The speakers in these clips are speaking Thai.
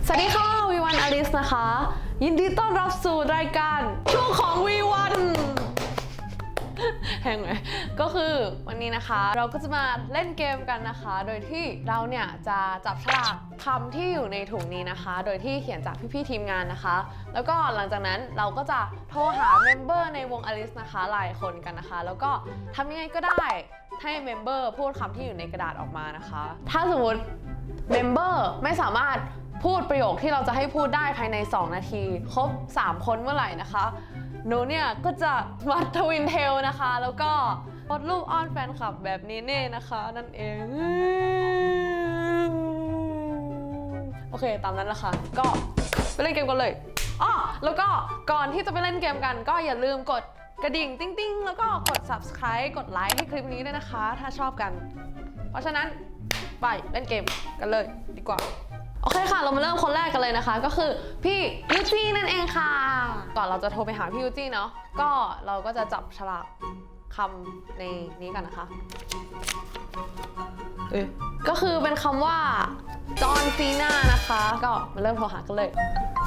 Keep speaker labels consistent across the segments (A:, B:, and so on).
A: สวัสดีค่ะวีวันอลิสนะคะยินดีต้อนรับสู่รายการช่วงของวีวันแหงไหมก็คือวันนี้นะคะเราก็จะมาเล่นเกมกันนะคะโดยที่เราเนี่ยจะจับฉลากคำที่อยู่ในถุงนี้นะคะโดยที่เขียนจากพี่ๆทีมงานนะคะแล้วก็หลังจากนั้นเราก็จะโทรหาเมมเบอร์ในวงอลิสนะคะหลายคนกันนะคะแล้วก็ทำยังไงก็ได้ให้เมมเบอร์พูดคำที่อยู่ในกระดาษออกมานะคะถ้าสมมติเมมเบอร์ไม่สามารถพูดประโยคที่เราจะให้พูดได้ภายใน2 นาทีครบ3 คนเมื่อไหร่นะคะหนูเนี่ยก็จะวัดทวินเทลนะคะแล้วก็โพสต์รูปอ้อนแฟนคลับแบบนี้เน่นะคะนั่นเองโอเคตามนั้นละค่ะก็ไปเล่นเกมกันเลยอ้อแล้วก็ก่อนที่จะไปเล่นเกมกันก็อย่าลืมกดกระดิ่งติ๊งๆแล้วก็กด subscribe กดไลค์ให้คลิปนี้ด้วยนะคะถ้าชอบกันเพราะฉะนั้นไปเล่นเกมกันเลยดีกว่าโอเคค่ะเรามาเริ่มคนแรกกันเลยนะคะก็คือพี่ยูจี้นั่นเองค่ะก่อนเราจะโทรไปหาพี่ยูจี้เนาะก็เราก็จะจับฉลากคำในนี้กันนะคะก็คือเป็นคำว่าจอห์นซีน่านะคะก็มาเริ่มโทรหากันเลย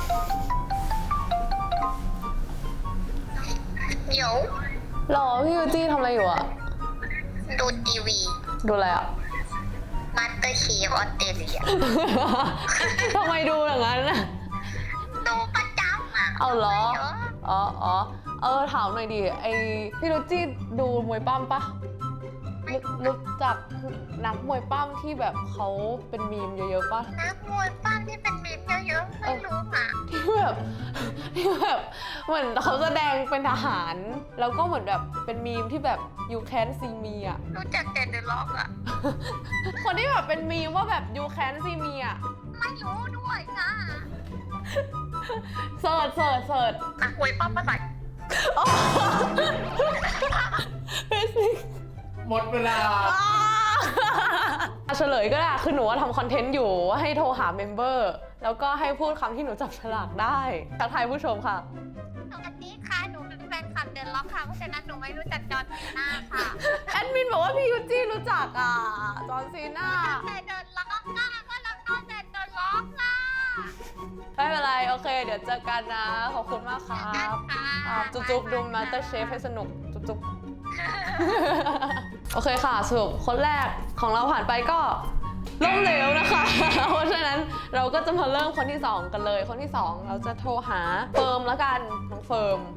B: เดี๋ยว
A: หรอพี่ยูจี้ทำอะไรอยู่อะ
B: ดูทีวี
A: ดูอะไรอะ
B: มาสเตอร์เชฟออสเตรเลีย
A: ทำไมดูอย่างนั้นน่ะ
B: ดูประจำอ่ะ
A: เอาเหรอถามหน่อยดิไอพี่ยูจี้ดูมวยปั้มปะรู้จักนักมวยปั้มที่แบบเขาเป็นมีมเยอะๆปะ
B: นักมวยปั้มที่เป็นมีมเยอะๆไม่รู้อ่ะ
A: ที่แบบเหมือนเขาแสดงเป็นทหารแล้วก็เหมือนแบบเป็นมีมที่แบบ you can see me อ่ะ
B: รู้จักแต่เดอะล็อกอ่ะ
A: คนที่แบบเป็นมีมว่าแบบ you can see me อ่ะ
B: ไม่รู้ด้วยค่ะ
A: เสิร์ช
B: นักมวยปั้มภาษา
C: หมดเวลา
A: เฉลยก็ได้คือหนูว่าทำคอนเทนต์อยู่ว่าให้โทรหาเมมเบอร์แล้วก็ให้พูดคำที่หนูจับฉลากได้ทักทายผู้ชมค่ะ
B: สวัสดีค่ะหนูเป็นแฟนคลับเดอะล็อกค่ะเพราะฉะนั้นหนูไม่รู้จักจอห์นซีน่าค่ะ
A: แอดมินบอกว่าพี่ยูจี้รู้จักอ่ะจอห์นซีน่า
B: แต่เดอะล็อกค่ะก็เราต้องแต่เดอะล็อกค่ะ
A: ไม่เป็นไรโอเคเดี๋ยวเจอกันนะขอบคุณมากครับจุ๊บดูมาสเตอร์เชฟให้สนุกจุ๊บโอเคค่ะสรุปคนแรกของเราผ่านไปก็ล้มเหลวนะคะเพราะฉะนั้นเราก็จะมาเริ่มคนที่2กันเลยคนที่2เราจะโทรหาเฟิร์มแล้วกันน้องเฟิร์ม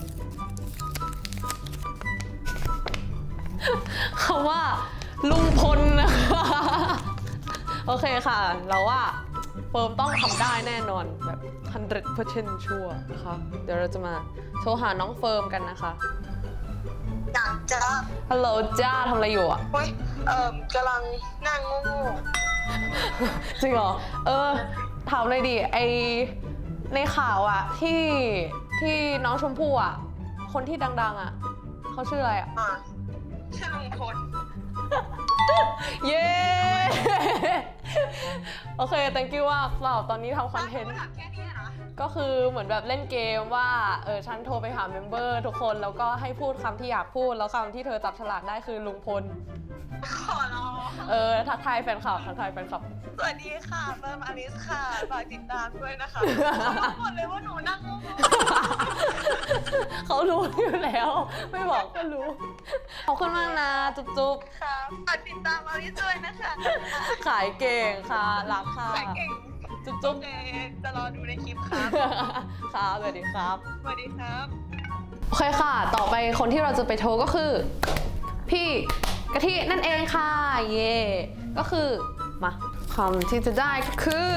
A: คำว่าลุงพลนะคะโอเคค่ะเราว่าเฟิร์มต้องทำได้แน่นอนแบบ 100% ชัวร์นะคะเดี๋ยวเราจะมาโทรหาน้องเฟิร์มกันนะคะ
B: อยากจะ
A: ฮัลโหลจ้าทำอะไรอยู่อ่ะ
B: กำลังนั่งงู
A: จริงเหรอถามเลยดิไอในข่าวอ่ะที่น้องชมพู่อ่ะคนที่ดังๆอ่ะเขาชื่ออะไรอ่ะ
B: ชื่อลุงพล
A: เย้โอเค thank you ว่าเราตอนนี้ทำคอนเทนต์ก็คือเหมือนแบบเล่นเกมว่าฉันโทรไปหาเมมเบอร์ทุกคนแล้วก็ให้พูดคำที่อยากพูดแล้วคำที่เธอจับฉลากได้คือลุงพล
B: ขอร้อง
A: ทักทายแฟนคลับ
B: สวัสดีค่ะเฟิร์มอลิสค่ะฝากติดตามด้วยนะคะเขาบอกเลยว่าหนูนั่งงู
A: เขารู้อยู่แล้วไม่บอกก็รู้ขอบคุณมากนะจุ๊บ
B: ค่ะฝากติดตามอลิสด้วยนะคะ
A: ขายเก่งค่ะรักค่ะ
B: ขายเก่ง
A: จุ๊บ
B: จะรอดูในคลิปครับ
A: ครับสวัสดีครับ
B: สวัสดีครับ
A: โอเคค่ะต่อไปคนที่เราจะไปโทรก็คือพี่กะทินั่นเองค่ะเย่ก็คือมาคำที่จะได้ก็คือ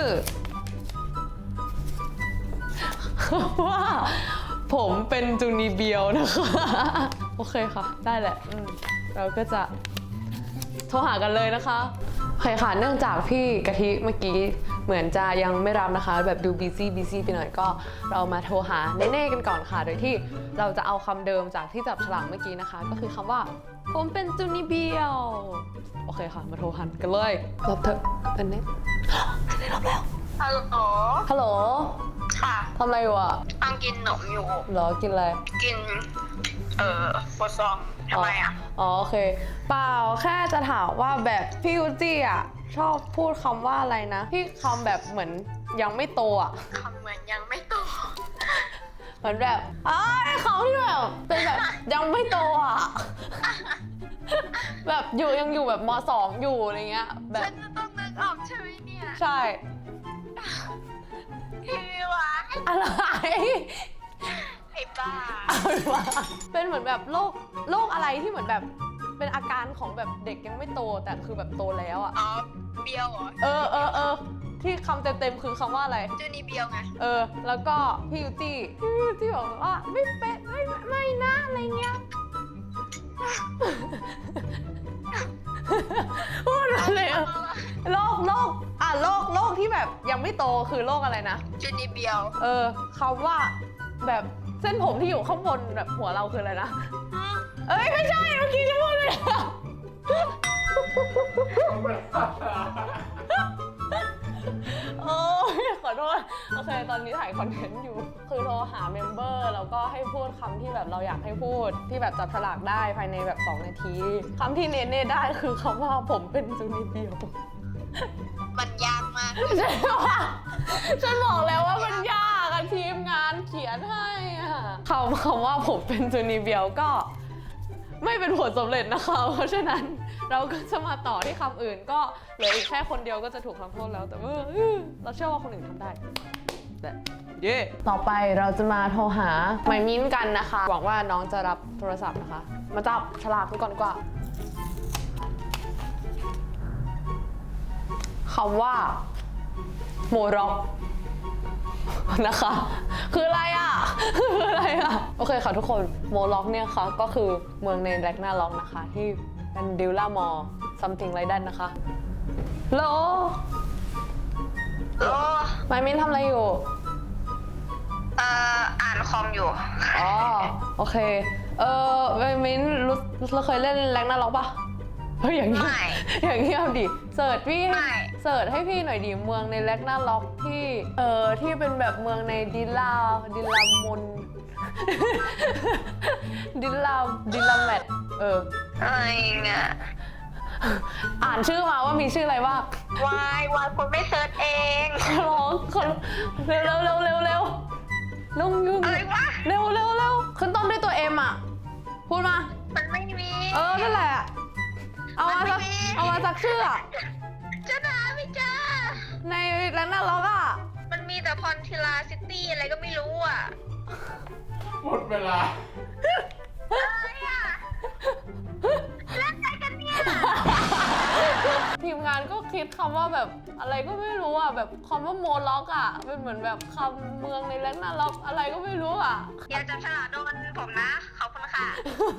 A: ว่าผมเป็นจูนีเบียวนะคะโอเคค่ะได้แหละเราก็จะโทรหากันเลยนะคะโอเคค่ะเนื่องจากพี่กะทิเมื่อกี้เหมือนจะยังไม่รับนะคะแบบดูบีซี่ไปหน่อยก็เรามาโทรหาเน่ๆกันก่อนค่ะโดยที่เราจะเอาคำเดิมจากที่จับฉลากเมื่อกี้นะคะก็คือคำว่าผมเป็นจูนีเบียวโอเคค่ะมาโทรหันกันเลยรับเถอะเป็นเน็ตได้รับแล้วฮัลโหล
B: ค่ะ
A: ทำอะไรอยู่อ่ะ
B: กำลังกินขนมอยู่
A: เหรอกินอะไร
B: กินโฟซองทำไมอ่ะ
A: โอเคเปล่าแค่จะถามว่าแบบพี่ยูจี้อ่ะชอบพูดคำว่าอะไรนะที่คำแบบเหมือนยังไม่โตอ่ะ
B: คำเหมือนยังไม่โต
A: เหมือนแบบเขาที่แบบเป็นแบบยังไม่โตอ่ะ แบบยังอยู่แบบม.2 อยู่อะไรเงี้ยแบบ
B: ฉันจะต้องนึกออกใช่ไหมเนี่ย
A: ใช่
B: พี่หวาน
A: อะไร
B: ไอ้บ้า
A: เป็นเหมือนแบบโรคอะไรที่เหมือนแบบเป็นอาการของแบบเด็กยังไม่โตแต่คือแบบโตแล้วอ่ะ
B: อ๋อเบียวเหรอ
A: ที่คำเต็มๆคือคำว่าอะไร
B: จูนี่เบียวไง
A: แล้วก็พี่ยูตี้บอกว่าไม่เป็นไม่นะอะไรเงี้ย พูดมาเลยโรคที่แบบยังไม่โตคือโรคอะไรนะ
B: จูนี่เบียว
A: คำว่าแบบเส้นผมที่อยู่ข้างบนแบบหัวเราคืออะไรนะ เอ้ยไม่ใช่เมื่อกี้จะพูดเลยนะโอ้ยขอโทษโอเคตอนนี้ถ่ายคอนเทนต์อยู่ คือโทรหาเมมเบอร์แล้วก็ให้พูดคำที่แบบเราอยากให้พูดที่แบบจับฉลากได้ภายในแบบ2 นาทีคำที่เน่ได้คือคำว่าผมเป็นจูนิเบียว
B: มันยากมาก
A: ใช่ปะฉันบอกแล้วว่ามันยากอะทีมงานเขียนให้อะคำว่าผมเป็นจูนิเบียวก็ไม่เป็นผลสำเร็จนะคะเพราะฉะนั้นเราก็จะมาต่อที่คำอื่นก็เหลืออีกแค่คนเดียวก็จะถูกทำโทษแล้วแต่ว่าเราเชื่อว่าคนอื่นทำได้เย่ต่อไปเราจะมาโทรหาไมมิ้นกันนะคะหวังว่าน้องจะรับโทรศัพท์นะคะมาจับฉลากกันก่อนดีกว่าคำว่าโมร็อกนะคะ คืออะไรอ่ะ คืออะไรอ่ะ โอเคค่ะทุกคนโมร็อกเนี่ยค่ะก็คือเมืองในแร็กนาร็อกนะคะ ที่เป็นดิลล่ามอร์ something like that นะคะโล
B: โอ้
A: ไมมินทำอะไรอยู่
B: อ่านคอมอยู่
A: อ๋อ โอเค ไมมินเราเคยเล่นแร็กนาร็อกปะเฮ้ยอย่างนี้
B: ไม่
A: อย่างนี้เอาดิเสิร์ชพี่
B: ไม่
A: เสิร์ชให้พี่หน่อยดิเมืองในแร็กนาร็อกที่ที่เป็นแบบเมืองในดิลลามน ดิลลาแมท
B: อะไรเนี่ย
A: อ่านชื่อมาว่ามีชื่ออะไรบ้าง
B: วายคุณไม่เซิร์ชเอง
A: ร้องคนเร็วลุงยุ่ง
B: อะไรวะ
A: เร็วขึ้นต้นด้วยตัวเอ็มอ่ะพูดมา
B: มันไม่มี
A: นั่นแหละเอามาสัก
B: มันไม่มี
A: เอามาสักชื่ออะ
B: จะหาไม่เจอ
A: ในแร็กนาร็อกอ่ะ
B: มันมีแต่พอนทิลาซิตี้อะไรก็ไม่รู้อ่ะ
C: หมดเวลา
B: อะไรอ่ะเล่นอะไรกันเนี่ย
A: ทีมงานก็คิดคำว่าแบบอะไรก็ไม่รู้อ่ะแบบคำว่าโมล็อกอ่ะเป็นเหมือนแบบคำเมืองในแร็กนาร็อกอะไรก็ไม่รู้อ่ะ
B: อย่าจับฉลากโดนผมนะ ขอบคุณค่ะ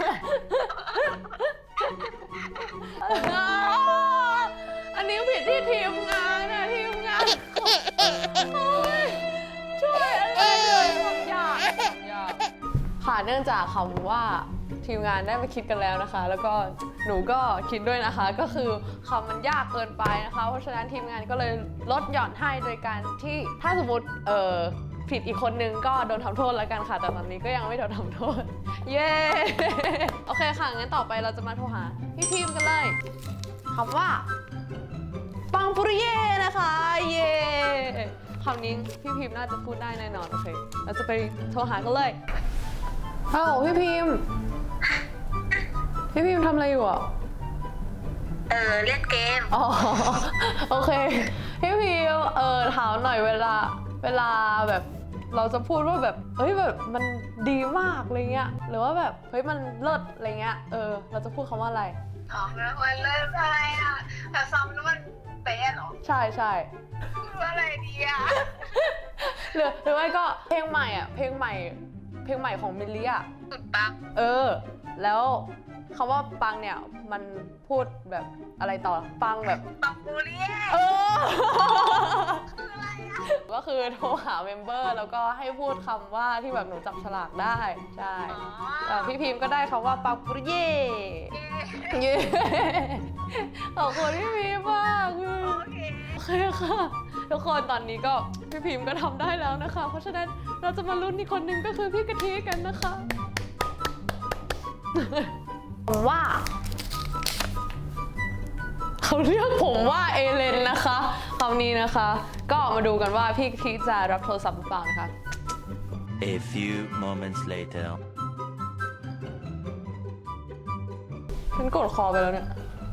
A: อันนี้ผิดที่ทีมงานนะทีมงานโอ้ยช่วยอะไรเลยความยากค่ะเนื่องจากคำว่าทีมงานได้มาคิดกันแล้วนะคะ แล้วก็หนูก็คิดด้วยนะคะ ก็คือคำมันยากเกินไปนะคะ เพราะฉะนั้นทีมงานก็เลยลดหย่อนให้โดยการที่ถ้าสมมติผิดอีกคนนึงก็โดนทำโทษแล้วกันค่ะ แต่ตอนนี้ก็ยังไม่โดนทำโทษ เย้ โอเคค่ะ งั้นต่อไปเราจะมาโทรหาพี่พิมกันเลยคำว่า ปังปุริเย่นะคะ เย่คำนี้พี่พิมน่าจะพูดได้แน่นอน โอเค เราจะไปโทรหากันเลยฮัลโหลพี่พิมทำอะไรอยู่อ่ะ
B: เล่นเกม
A: อ๋อ โอเค พี่พิมถามหน่อยเวลาแบบเราจะพูดว่าแบบเฮ้ยแบบมันดีมากอะไรเงี้ยหรือว่าแบบเฮ้ยมันเลิศอะไรเงี้ยเราจะพูดคำว่าอะไร
B: อ๋อแล้วมันเล่นอะไรอ่ะแต่ซ้ำแล้วมันเป๊ะเหรอ
A: ใช่
B: พูดว่าอะไรดีอ่ะ
A: หรือไม่ก็เพลงใหม่อ่ะเพลงใหม่ของมิลลี่อ่ะ
B: สุดปัง
A: แล้วคำว่าปังเนี่ยมันพูดแบบอะไรต่อปังแบบ
B: ปังบูเรีย คืออะไรอ่ะ
A: ก็คือโทรหาเมมเบอร์แล้วก็ให้พูดคำว่าที่แบบหนูจับฉลากได้ใช่ พี่พิมพ์ก็ได้คำว่าปังปุริเย่เย่ขอบคุณพี่พิมพ์มาก
B: โอเค
A: โอเคค่ะทุกคนตอนนี้ก็พี่พิมพ์ก็ทำได้แล้วนะคะ เพราะฉะนั้นเราจะมาลุ้นอีกคนนึงก็คือพี่กะทิกันนะคะว่าคเขาเรียกผมว่าเอเลนนะคะคำนี้นะคะ ก็มาดูกันว่าพี่กะทิจะรับโทรศัพท์หรือเปล่านะคะ
D: A few moments later.
A: ฉันกดคอไปแล้วเนี่ย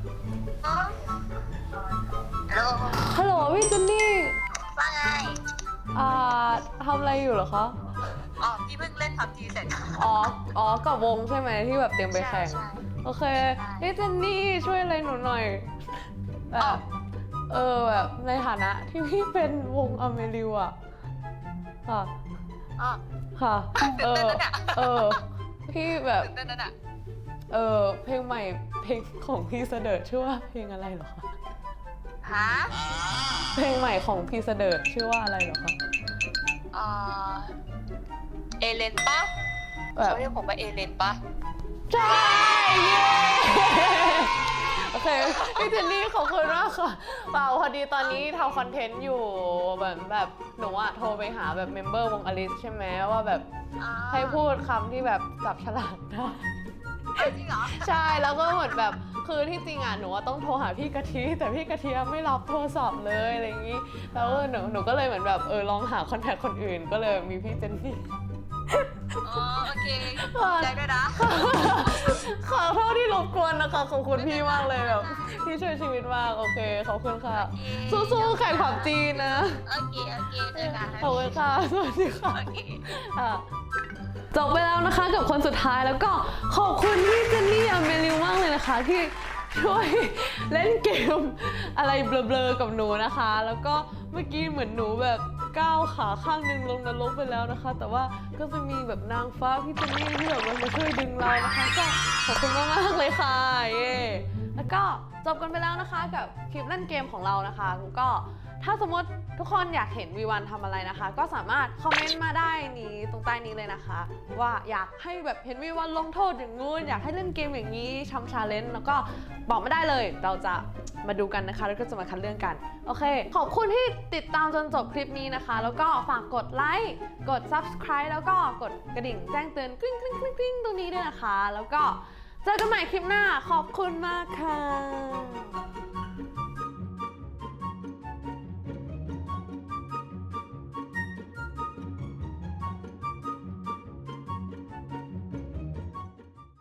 B: ฮัลโหล
A: ฮัลโหลพี่เจนนี่
B: ว่าไง
A: ทำอะไรอยู่เหรอคะ
B: อ๋อพี่เพิ่งเล่นพับจีเสร็จ
A: อ๋อกับวงใช่ไหมที่แบบเตรียมไปแข่ง
B: ใช่
A: โอเคพี่เจนนี่ช่วยอะไรหนูหน่อยแบบแบบในฐานะที่พี่เป็นวงอเมริวอะค่ะ
B: อ๋อ
A: ค่ะ
B: ตื่นเต้นนะเนี่ย
A: พี่แบบ
B: ตื่นเต้นนั่นอ่ะ
A: เพลงใหม่เพลงของพี่เสดิร์ดชื่อว่าเพลงอะไรเหรอคะ
B: ฮะ
A: เพลงใหม่ของพี่เสดิร์ดชื่อว่าอะไรเหรอคะ
B: เอ่อเอเลนปะ
A: แบบ
B: เขาเรียกผมว่าเอเลนปะ
A: ใช่เย้โอเคพี่เจนนี่ขอบคุณมากค่ะเปล่าพอดีตอนนี้ทำคอนเทนต์อยู่แบบหนูอะโทรไปหาแบบเมมเบอร์วงอลิสใช่ไหมว่าแบบให้พูดคำที่แบบจับฉลากได้
B: จริงเหรอ
A: ใช่แล้วก็เหมือนแบบคือที่จริงอ่ะหนูว่าต้องโทรหาพี่กะทิแต่พี่กะทิไม่รับโทรศัพท์เลยอะไรอย่างนี้แล้วหนูก็เลยเหมือนแบบลองหาคอนแทคคนอื่นก็เลยมีพี่เจนนี่
B: อ๋อโอเคใจด้วยนะ
A: ขอโทษที่รบกวนนะคะขอบคุณพี่มากเลยแบบพี่ช่วยชีวิตมากโอเคขอบคุณค่ะ สู้ๆแข่งผับจีนนะ
B: โอเคเจอกัน
A: ขอบคุณค่ะสวัสดีค่ะ
B: โอเค
A: จบไปแล้วนะคะกับคนสุดท้ายแล้วก็ขอบคุณพี่เจนนี่อเมริวมากเลยนะคะที่ช่วยเล่นเกมอะไรเบลอๆกับหนูนะคะ แล้วก็เมื่อกี้เหมือนหนูแบบก้าวขาข้างหนึ่งลงนรกไปแล้วนะคะ แต่ว่าก็จะมีแบบนางฟ้าพี่เจนนี่ที่แบบมาช่วยดึงเรานะคะก็ขอบคุณมากๆเลยค่ะเย่แล้วก็จบกันไปแล้วนะคะกับคลิปเล่นเกมของเรานะคะแล้วก็ถ้าสมมติทุกคนอยากเห็นวีวันทำอะไรนะคะ ก็สามารถคอมเมนต์มาได้นี้ตรงใต้นี้เลยนะคะ ว่าอยากให้แบบเห็นวีวันลงโทษอย่างงู้นอยากให้เล่นเกมอย่างนี้ทำชาเลนจ์แล้วก็บอกไม่ได้เลย เราจะมาดูกันนะคะแล้วก็จะมาคัดเลือกกันโอเค ขอบคุณที่ติดตามจนจบคลิปนี้นะคะ แล้วก็ฝากกดไลค์กด subscribe แล้วก็กดกระดิ่งแจ้งเตือนกริ๊งกริ๊งกริ๊งกริ๊งตรงนี้ด้วยนะคะ แล้วก็เจอกันใหม่คลิปหน้าขอบคุณมากค่ะ